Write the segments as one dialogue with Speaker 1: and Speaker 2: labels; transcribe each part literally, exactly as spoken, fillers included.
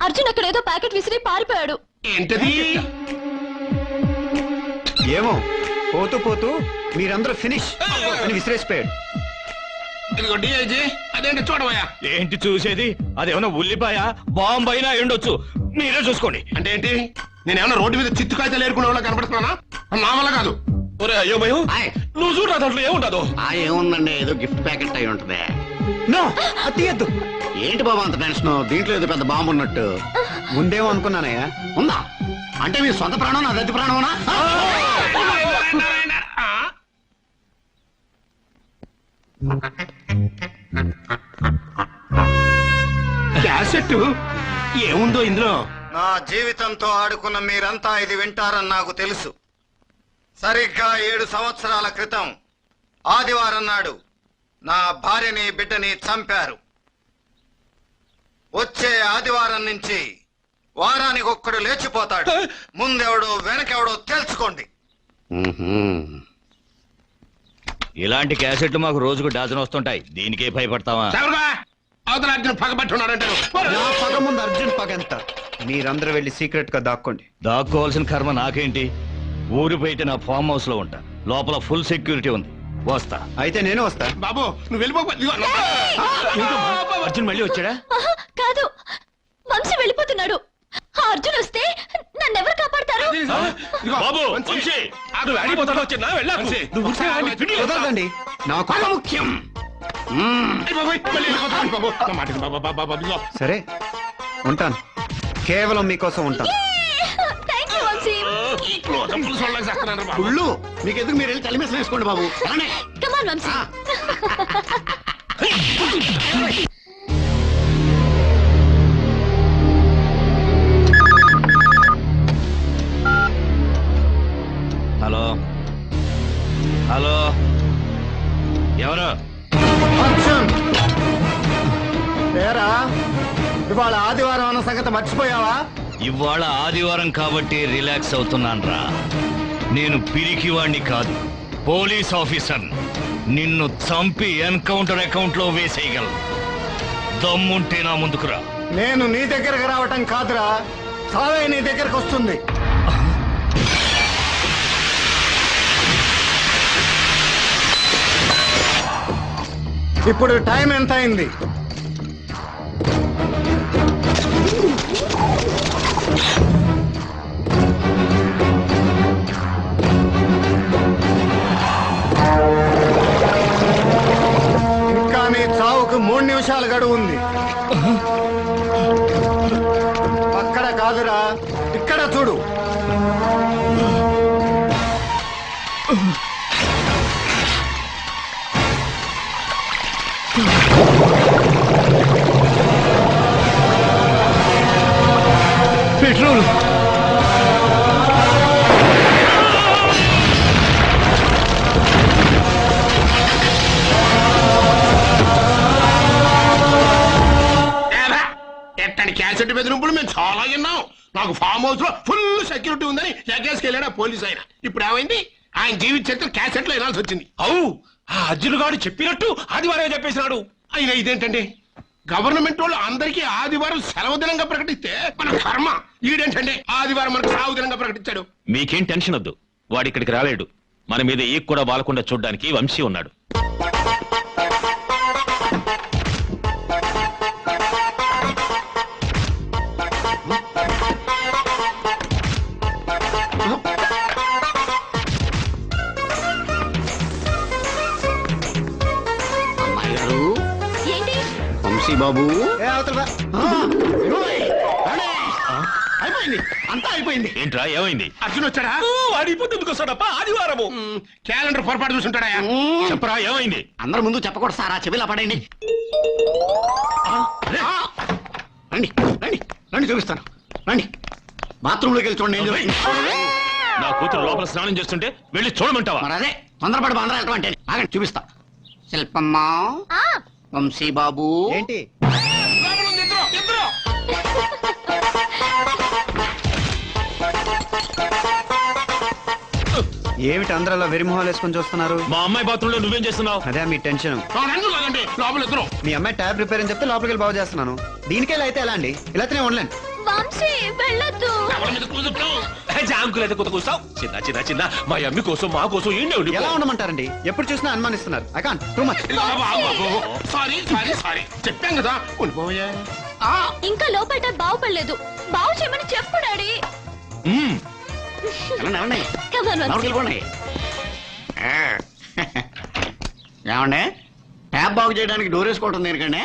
Speaker 1: అర్జున్ అక్కడ ఏదో ప్యాకెట్ విసిరి పారిపోయాడు.
Speaker 2: ఏంటది?
Speaker 3: ఏమో పోతూ పోతూ మీరందరూ ఫినిష్ అని విసిరేసిపోయాడు.
Speaker 2: ఇదిగో డిఐజీ, అదేంటి చూడవయ్యా.
Speaker 4: ఏంటి చూసేది? అదేమన్నా ఉల్లిపాయ బాంబు అయినా ఎండొచ్చు, మీరే చూసుకోండి.
Speaker 2: అంటే ఏంటి? నేనేమన్నా రోడ్డు మీద చిత్తు కాగితాలు ఏరుకునే వాళ్ళ కనపడుతున్నానా? నా వల్ల కాదు. ఒరే అయ్యో భయం, నువ్వు చూడ దాంట్లో ఏముండదు.
Speaker 5: ఆ ఏముందండి, ఏదో గిఫ్ట్ ప్యాకెట్ అయి ఉంటది.
Speaker 3: నో అది తీయద్దు.
Speaker 5: ఏంటి బాబా అంత టెన్షన్? దీంట్లో ఏదో పెద్ద బాంబు ఉన్నట్టు
Speaker 3: ముందేమో అనుకున్నానయ్యా.
Speaker 5: ఉందా? అంటే మీ సొంత ప్రాణం నా దత్తి ప్రాణమనా?
Speaker 2: క్యాసెట్ ఏముందో ఇందులో?
Speaker 5: నా జీవితంతో ఆడుకున్న మీరంతా ఇది వింటారని నాకు తెలుసు. సరిగ్గా ఏడు సంవత్సరాల క్రితం ఆదివారం నాడు నా భార్యని బిడ్డని చంపారు. వచ్చే ఆదివారం నుంచి వారానికి ఒక్కడు లేచిపోతాడు. ముందెవడో వెనకెవడో తెలుసుకోండి.
Speaker 4: ఇలాంటి క్యాసెట్లు మాకు రోజుకు డజన్ వస్తుంటాయి, దీనికే భయపడతావా?
Speaker 2: అవతల అర్జున్ పగబట్టున్నాడంటే
Speaker 3: నా పగ ముందు అర్జున్ పగ ఎంత? మీరందరూ వెళ్ళి సీక్రెట్ గా దాక్కోండి.
Speaker 4: దాక్కోవాల్సిన కర్మ నాకేంటి? ఊరి బయట నా ఫామ్ హౌస్ లో ఉంటా, లోపల ఫుల్ సెక్యూరిటీ ఉంది. వస్తా.
Speaker 3: అయితే నేను వస్తా.
Speaker 2: బాబు నువ్వు వెళ్ళిపో.
Speaker 4: అర్జున్ మళ్ళీ వచ్చాడా?
Speaker 1: ఆహా, కాదు, వంశీ వెళ్ళిపోతున్నాడు. ఆ అర్జున్ వస్తే నన్నెవరు కాపాడతారు?
Speaker 4: బాబు వంశీ, నువ్వు వెళ్ళిపోతాడు. వచ్చినా వెళ్ళా, నువ్వు
Speaker 3: కుదరదండి, నాకు
Speaker 2: పగ ముఖ్యం.
Speaker 3: సరే ఉంటాను. కేవలం మీకోసం ఉంటాను.
Speaker 1: Thank you Vamshi.
Speaker 5: కుళ్ళు మీకెందుకు, మీరు వెళ్ళి కలిమేసం వేసుకోండి బాబు.
Speaker 1: Come on Vamshi.
Speaker 4: Hello hello, ఎవరు?
Speaker 5: అర్జున్ ఏరా, ఇవాళ ఆదివారం అన్న సంగతి మర్చిపోయావా?
Speaker 4: ఇవాళ ఆదివారం కాబట్టి రిలాక్స్ అవుతున్నాను రా. నేను పిరికివాణ్ణి కాదు, పోలీస్ ఆఫీసర్. నిన్ను చంపి ఎన్కౌంటర్ అకౌంట్ లో వేసేయగలను. దమ్ముంటే నా ముందుకురా.
Speaker 5: నేను నీ దగ్గరకు రావటం కాదురా, చావే నీ దగ్గరకు వస్తుంది. ఇప్పుడు టైం ఎంత అయింది? ఇంకా నీ చావుకు మూడు నిమిషాలు గడువు ఉంది. అక్కడ కాదురా, ఇక్కడ చూడు.
Speaker 4: పెట్రోల్.
Speaker 2: ఎట్టని క్యాసెట్ బెదిరింపులు మేము చాలా విన్నాం. నాకు ఫామ్ హౌస్ లో ఫుల్ సెక్యూరిటీ ఉందని ఎగేసుకెళ్ళాడు పోలీస్ ఆయన. ఇప్పుడు ఏమైంది? ఆయన జీవిత చరిత్ర క్యాసెట్ లో వినాల్సి వచ్చింది.
Speaker 4: అవు, ఆ అర్జున్ గారు చెప్పినట్టు ఆదివారం చెప్పేసినాడు.
Speaker 2: అయినా ఇదేంటండి, గవర్నమెంట్ వాళ్ళు అందరికీ ఆదివారం సెలవు దినంగా ప్రకటిస్తే మన కర్మ ఈడేంటండి ఆదివారం మనకు సాగు దినంగా ప్రకటించాడు.
Speaker 6: మీకేం టెన్షన్ వద్దు, వాడి ఇక్కడికి రాలేడు. మన మీద ఈ కూడా బాలకుండా చూడ్డానికి వంశీ ఉన్నాడు.
Speaker 5: అమ్మాయి గారు,
Speaker 1: ఏంటి?
Speaker 5: వంశీ బాబు.
Speaker 3: ఏ అవతల రా.
Speaker 5: అయిపోయింది, అంతా అయిపోయింది.
Speaker 6: ఏంట్రా ఏమైంది?
Speaker 2: అర్జున్ వచ్చాడా?
Speaker 4: వాడిపోతే ఎందుకు వస్తాడప్ప ఆదివారము?
Speaker 2: క్యాలెండర్ పొరపాటు చూసుంటాడా?
Speaker 6: చెప్పరా ఏమైంది?
Speaker 5: అందరి ముందు చెప్పకూడదు సార్, ఆ చెవిలా పడండి. రండి రండి రండి, చూపిస్తాను. రండి, బాత్రూమ్ లోకి వెళ్ళి చూడండి. ఏం జరుగుతుంది?
Speaker 6: నా కూతురు లోపల స్నానం చేస్తుంటే వెళ్ళి చూడమంటావా?
Speaker 5: మరి అదే తొందరపడి బందరా వెళ్ళటం అంటే. ఆగండి, చూపిస్తా. శిల్పమ్మా,
Speaker 1: ఆ,
Speaker 5: వంశీ బాబు.
Speaker 3: ఏంటి? ఏమిటి అందరూ అలా వెరిమొహాలు వేసుకొని చూస్తున్నారు?
Speaker 6: మా అమ్మాయి బాత్రూమ్ లో నువ్వేం చేస్తున్నావు?
Speaker 3: అదే మీ టెన్షన్.
Speaker 2: లోపల ఇద్దరు.
Speaker 3: మీ అమ్మాయి ట్యాబ్ రిపేర్ అని చెప్తే లోపలికి వెళ్ళి బాగు చేస్తున్నాను. దీనికే ఇలా అయితే ఎలా అండి? ఇలా అయితే నేను ఉండలేను.
Speaker 1: వంశీ వెళ్ళొద్దు.
Speaker 2: ఎవరి మీద క్లోజప్ లో?
Speaker 7: జాంకులైతే కొత్త కూర్చావు చిన్న చిన్న చిన్న మా అమ్మి కోసం మా కోసం ఏంటి ఉండి
Speaker 3: ఎలా ఉండమంటారండి? ఎప్పుడు చూసినా అనుమానిస్తున్నారు. I can't too much.
Speaker 2: Sorry sorry sorry చెప్పాం కదా ఉండిపోయా.
Speaker 1: ఇంకా లోపల బాగుపడలేదు. బాగు చేయమని చెప్పు డాడీ. Come on, Vamsi.
Speaker 5: ఏమండే ట్యాప్ బాగు చేయడానికి డోర్ వేసుకోవటం దేనికండి?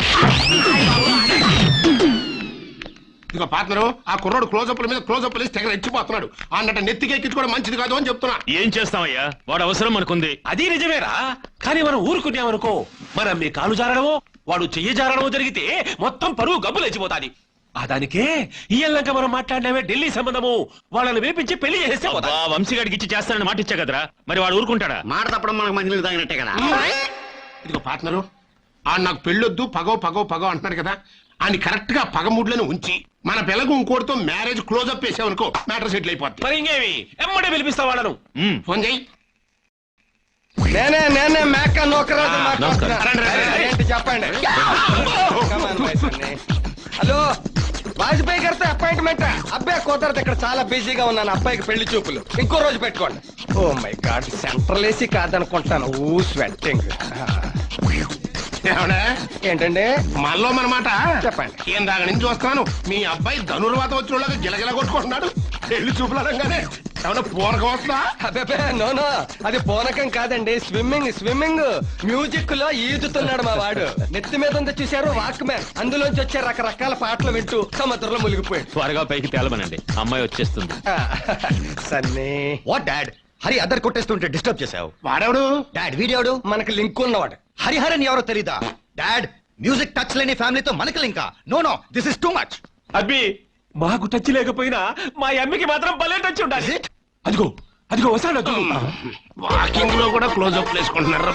Speaker 2: ఇక పార్ట్నరు ఆ కుర్రోడు క్లోజప్ల మీద క్లోజప్ వేసి తెగ రెచ్చిపోతున్నాడు. అన్నట్టు నెత్తికి ఎక్కించుకోవడం మంచిది కాదు అని చెప్తున్నా.
Speaker 4: ఏం చేస్తామయ్యా, వాడు అవసరం అనుకుంది.
Speaker 7: అది నిజమేరా, కానీ మనం ఊరుకున్నామనుకో మనం మీ కాలు జారడమో వాడు చెయ్యి జారడమో జరిగితే మొత్తం పరువు గబ్బు లేచిపోతాది. ఆ దానికే ఇయ్యాక మనం మాట్లాడినవే ఢిల్లీ సంబంధము, వాళ్ళని వేపించి పెళ్లి చేస్తే
Speaker 4: అబ్బా, వంశీగాడికి ఇచ్చి చేస్తానని మాట ఇచ్చా కదరా, మరి వాడు ఊరుకుంటాడా?
Speaker 5: మాట తప్పడం మనకు మంచి తాగినట్టే కదా.
Speaker 2: ఇదిగో పార్ట్నరు ఆ నాకు పెళ్ళొద్దు పగో పగో పగో అంటున్నాడు కదా, అని కరెక్ట్ గా పగముడ్లను ఉంచి మన పిల్లకు ఇంకోటితో మ్యారేజ్ క్లోజప్ వేసావనుకో మ్యాటర్ సెటిల్ అయిపోద్ది.
Speaker 7: మరి ఇంకేమి ఎమ్మడే పిలిపిస్తా వాళ్ళను.
Speaker 4: ఉమ్.
Speaker 2: ఫోన్ చేయి.
Speaker 8: నేనే నేనే మేక నోకరాజు
Speaker 7: ఆ,
Speaker 8: మాట్లాడుతున్నా.
Speaker 2: రండి, రండి, రండి.
Speaker 8: ఏంటి చెప్పండి. Come on, my son. Hello Vajpayee గారితో అపాయింట్మెంట్. అబ్బాయి కుదరదు, ఇక్కడ చాలా బిజీగా ఉన్నాను. అబ్బాయికి పెళ్లి చూపులు ఇంకో రోజు పెట్టుకోండి. Oh my god, central AC కాదనుకుంటాను. ఊ స్వెట్టింగ్.
Speaker 2: ఏమన్నా?
Speaker 8: ఏంటండి
Speaker 2: మనలో మనమాట
Speaker 8: చెప్పండి.
Speaker 2: ఏం దాకా నుంచి చూస్తున్నాను మీ అబ్బాయి ధనుర్వాత వచ్చిన వాళ్ళకి గిలగిల కొట్టుకుంటున్నాడు. పెళ్లి చూపులు అనగానే ఏమన్నా పూనకం వస్తుందా?
Speaker 8: అబ్బే నో నో, అది పూనకం కాదండి, స్విమ్మింగ్ స్విమ్మింగ్. మ్యూజిక్ లో ఈదుతున్నాడు మా వాడు. నెత్తి మీద ఉంది చూశారు వాక్ మ్యాన్, అందులోంచి వచ్చే రకరకాల పాటలు వింటూ సముద్రంలో మునిగిపోయాడు.
Speaker 6: త్వరగా పైకి తేలమనండి, అమ్మాయి వచ్చేస్తుంది.
Speaker 8: Sunny
Speaker 9: what dad? హరి అద్దరు కొట్టేస్తుంటే డిస్టర్బ్ చేసావు.
Speaker 2: వాడెవడు?
Speaker 9: డాడ్ వీడియోడు
Speaker 8: మనకి లింక్ ఉన్నవాడు.
Speaker 9: హరిహరన్ ఎవరో తెలీదా? డాడ్ మ్యూజిక్ టచ్ లేని ఫ్యామిలీతో మనకి లింకా? No no, this is too much.
Speaker 7: అబ్బి మాకు టచ్ లేకపోయినా మా అమ్మికి మాత్రం భలే టచ్ ఉండాలి.
Speaker 9: Is it?
Speaker 7: అదిగో అదిగో వస్తాడు అదిగో.
Speaker 2: వాకింగ్ లో కూడా క్లోజప్ వేసుకుంటున్నారు.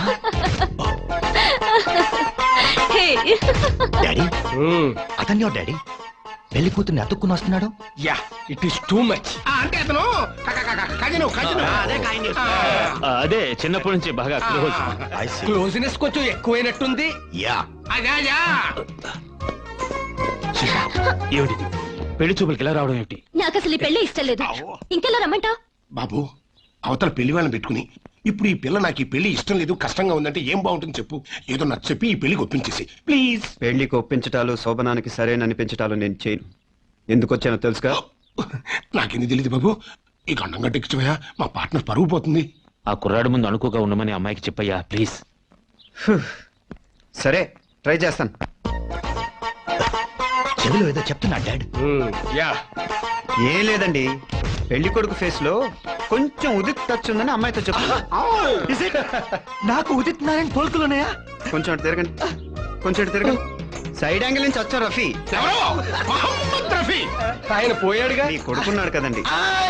Speaker 1: Hey.
Speaker 9: డాడీ అతన్యో డాడీ పెళ్లి కూతుర్ని అతుక్కుని వస్తున్నాడు.
Speaker 8: Ya it is too much.
Speaker 2: అంటే అతను కజిను కజిను
Speaker 4: ఆ, అదే చిన్నప్పటి నుంచి బాగా క్లోజ్.
Speaker 9: I see.
Speaker 8: క్లోజ్నెస్ కొంచెం ఎక్కువైనట్టుంది.
Speaker 9: యా
Speaker 2: అజా అజా.
Speaker 6: ఏమిటి పెళ్లి చూపులకి ఇలా రావడం ఏమిటి?
Speaker 1: నాకు అసలు ఈ పెళ్లి ఇష్టం లేదు. ఇంకెలా రమ్మంటావు?
Speaker 2: బాబు అవతల పెళ్లి వాళ్ళని పెట్టుకుని ఇప్పుడు ఈ పిల్ల నాకు ఈ పెళ్లి ఇష్టం లేదు కష్టంగా ఉందంటే ఏం బాగుంటుంది చెప్పు. ఏదో నాకు చెప్పి ఈ పెళ్లికి ఒప్పించేసి ప్లీజ్.
Speaker 3: పెళ్లికి ఒప్పించటాలు శోభనానికి సరైన అనిపించటాలు నేను చేయను. ఎందుకు వచ్చానో తెలుసుగా?
Speaker 2: నాకెందుకు తెలియదు బాబు. ఈ గండం గట్టెక్కిపోయా మా పార్ట్నర్ పరుగు పోతుంది.
Speaker 6: ఆ కుర్రాడు ముందు అనుకోగా ఉండమని అమ్మాయికి చెప్పయ్యా ప్లీజ్.
Speaker 3: సరే ట్రై చేస్తాను.
Speaker 9: చెవిలో ఏదో చెప్తున్నా డాడ్.
Speaker 8: యా
Speaker 3: ఏం లేదండి, పెళ్లి కొడుకు ఫేస్ లో కొంచెం ఉదిత్ టచ్ ఉందని అమ్మాయితో చెప్తున్నా.
Speaker 9: Is it? నాకు ఉదిత్ నారాయణ పోల్కులున్నాయా?
Speaker 3: కొంచెం అటు తిరగండి, కొంచెం అటు తిరగండి. సైడ్ యాంగిల్ నుంచి వచ్చా రఫీ.
Speaker 2: ఎవరో మహమ్మద్ రఫీ.
Speaker 8: ఆయన పోయాడుగా.
Speaker 3: మీ కొడుకున్నాడు కదండి.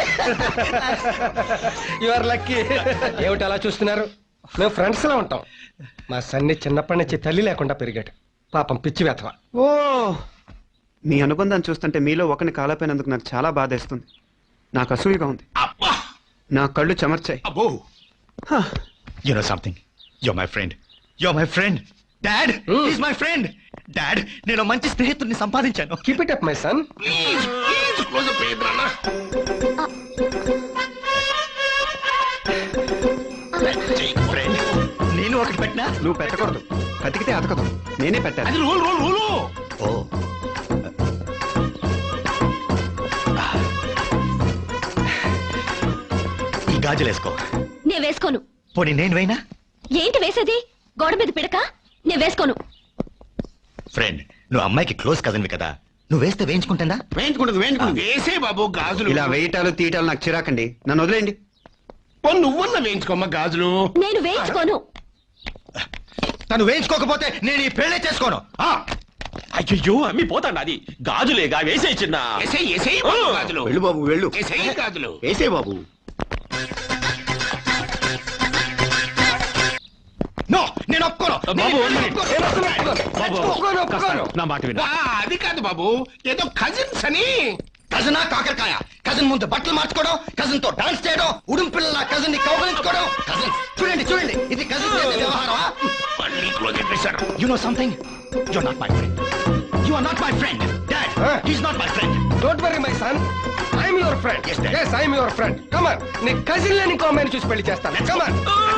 Speaker 8: You are lucky. ఏమిటి అలా చూస్తున్నారు? మేము ఫ్రెండ్స్ లా ఉంటాం. మా సన్ని చిన్నప్పటి నుంచి తల్లి లేకుండా పెరిగాడు. పాపం పిచ్చి వెతవ.
Speaker 3: ఓ, మీ అనుబంధాన్ని చూస్తుంటే మీలో ఒకరిని కాలపోయినందుకు నాకు చాలా బాధేస్తుంది. నాకు అసూయగా ఉంది.
Speaker 2: అబ్బా
Speaker 3: నా కళ్ళు చెమర్చాయి.
Speaker 2: అబ్బో.
Speaker 9: You know something? You're my friend. You're my friend. Dad, he's my friend. Dad, నేను మంచి స్నేహితుడిని సంపాదించాను.
Speaker 8: Keep it up my son.
Speaker 2: Please please close up చేయద్దు నాన్న.
Speaker 9: ఫ్రెండ్ నేను ఒకటి పెట్టినా
Speaker 3: నువ్వు పెట్టకూడదు, కతికితే అతకదు. నేనే పెట్టాను.
Speaker 2: అది రూల్ రూల్ రూలు.
Speaker 9: ఓ ఈ గాజులు వేసుకో.
Speaker 1: నేను వేసుకోను.
Speaker 9: పోనీ నేను వేయినా?
Speaker 1: ఏంటి వేసేది? గోడ మీద పిడక? నేను వేసుకోను.
Speaker 9: ఫ్రెండ్ నువ్వు అమ్మాయికి క్లోజ్ కదన్వి కదా, నువ్వు వేస్తే వేయించుకుంటుందా?
Speaker 2: వేయించుకుంటుంది వేయించుకుంటుంది. వేసే బాబు గాజులు.
Speaker 3: ఇలా వేయటాలు తీయటాలు నాకు చిరాకండి. నన్ను వదిలేయండి.
Speaker 2: ఓ నువ్వన్నా వేయించుకోమ్మ గాజులు.
Speaker 1: నేను వేయించుకోను.
Speaker 9: తను వేయించుకోకపోతే నేను ఈ పెళ్లి చేసుకోను. ఆ,
Speaker 7: అయ్యో అమ్మి పోతాండి. అది గాజులేగా వేసే చిన్న.
Speaker 2: ఎసే ఎసే గాజులు.
Speaker 3: వెళ్ళు బాబు వెళ్ళు.
Speaker 2: ఎసే గాజులు.
Speaker 3: వేసే బాబు.
Speaker 9: నో నేను ఒప్పుకోను.
Speaker 6: బాబు
Speaker 9: నేను ఒప్పుకోను.
Speaker 6: బాబు
Speaker 8: ఒప్పుకోను, ఒప్పుకోను.
Speaker 6: నా మాట విను.
Speaker 2: ఆ, అది కాదు బాబు, ఏదో కజిన్స్ అని.
Speaker 9: కజనా కాకరకాయ. కజన్ ముందు బట్టలు మార్చుకోవడం, కజన్ తో డాన్స్ చేయడం, ఉడుం పిల్లల కజన్ ని కౌగలించుకోవడం. కజన్ చూడండి చూడండి, ఇది కజన్ చేసే వ్యవహారమా?
Speaker 2: మళ్ళీ క్లోజ్ చేశారు.
Speaker 9: You know something? You are not my friend. You are not my friend. Dad is not my friend.
Speaker 8: Don't worry my son, I'm your friend.
Speaker 9: Yes, Dad.
Speaker 8: yes I'm your friend. Come on, నీ cousin లేని ఇంకో అమ్మాయిని చూసి పెళ్లి చేస్తాను. కమాన్.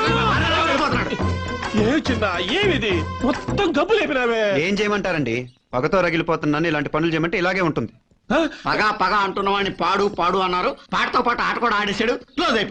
Speaker 7: ఏ చిన్న ఏమిది మొత్తం గబ్బు లేపినావే.
Speaker 3: ఏం చేయమంటారండి, పగతో రగిలిపోతున్నాను. ఇలాంటి పనులు చేయమంటే ఇలాగే ఉంటుంది.
Speaker 9: పగ పగ అంటున్న వాడిని పాడు పాడు అన్నారు. పాటతో పాటు ఆట కూడా ఆడేశాడు. క్లోజ్ అయిపోయింది.